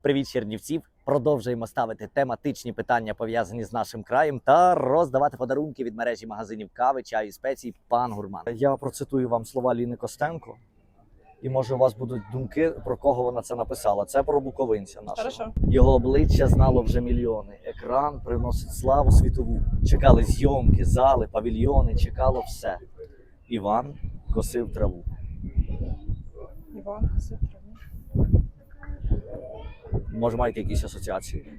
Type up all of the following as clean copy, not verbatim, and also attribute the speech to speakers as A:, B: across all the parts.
A: Привіт, Чернівців! Продовжуємо ставити тематичні питання, пов'язані з нашим краєм, та роздавати подарунки від мережі магазинів кави, чаю і спецій «Пан Гурман». Я процитую вам слова Ліни Костенко, і може у вас будуть думки, про кого вона це написала. Це про буковинця нашого.
B: Хорошо.
A: Його обличчя знало вже мільйони. Екран приносить славу світову. Чекали зйомки, зали, павільйони, чекало все. Іван косив траву.
B: Іван косив траву.
A: Може, маєте якісь асоціації?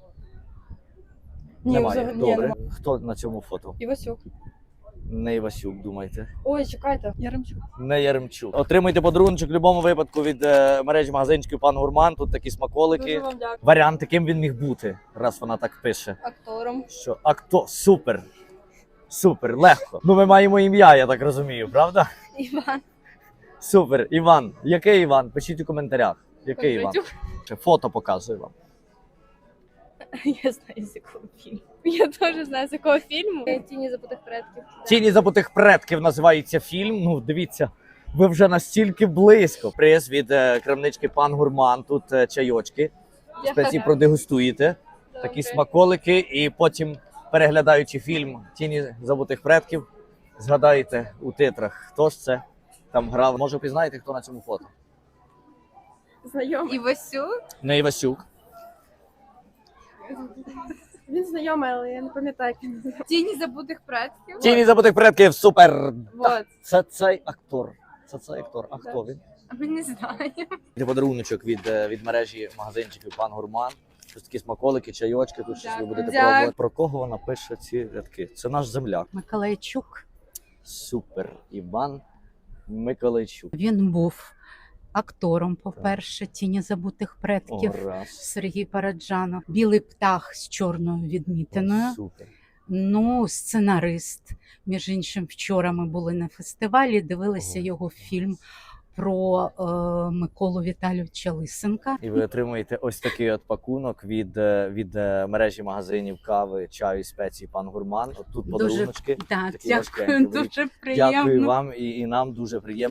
B: Ні,
A: Немає.
B: взагалі
A: Добре.
B: нема.
A: Хто на цьому фото?
B: Івасюк.
A: Не Івасюк, думаєте?
B: Ой, чекайте. Яремчук.
A: Не Яремчук. Отримуйте подарунок в будь-якому випадку від мережі магазинчиків «Пан Гурман». Тут такі смаколики.
B: Дуже вам дякую.
A: Варіанти, ким він міг бути, раз вона так пише.
B: Актором.
A: Що? Супер. Супер, легко. Ну, ми маємо ім'я, я так розумію, правда?
B: Іван.
A: Супер. Іван. Який Іван? Пишіть у коментарях. Який Іван?
B: Кондратюк.
A: Ще фото показую вам.
B: Я знаю, з якого фільму. Я теж знаю, з якого фільму. Тіні забутих предків.
A: «Тіні забутих предків» називається фільм. Ну, дивіться, ви вже настільки близько. Приз від крамнички «Пан Гурман». Тут чайочки. Спеції продегустуєте. Такі смаколики. І потім, переглядаючи фільм «Тіні забутих предків», згадаєте у титрах, хто ж це там грав. Може, впізнаєте, хто на цьому фото?
B: Знайомий. Івасюк?
A: Не Івасюк.
B: Він знайомий, але я не пам'ятаю. Тіні забутих предків?
A: «Тіні забутих предків» супер.
B: Вот.
A: Це цей актор. Це цей актор. А хто він?
B: А ми не знаємо.
A: Це подаруночок від мережі магазинчиків «Пан Гурман». Щось такі смаколики, чайочки, тут щось ви будете
B: Дякую.
A: пробувати. Про кого вона пише ці рядки? Це наш земляк.
C: Миколайчук.
A: Супер. Іван Миколайчук.
C: Він був актором, по-перше, «Тіні забутих предків».
A: О, раз.
C: Сергій Параджанов. «Білий птах» з чорною відмітиною.
A: Супер.
C: Ну, сценарист. Між іншим, вчора ми були на фестивалі, дивилися
A: Ого.
C: його фільм про Миколу Віталійовича Лисенка.
A: І ви отримуєте ось такий от пакунок від мережі магазинів кави, чаю і спецій «Пан Гурман». От тут
C: Дуже-
A: подаруночки.
C: Так,
A: Такі
C: дякую,
A: важкенькі.
C: дуже приємно.
A: Дякую вам і нам дуже приємно.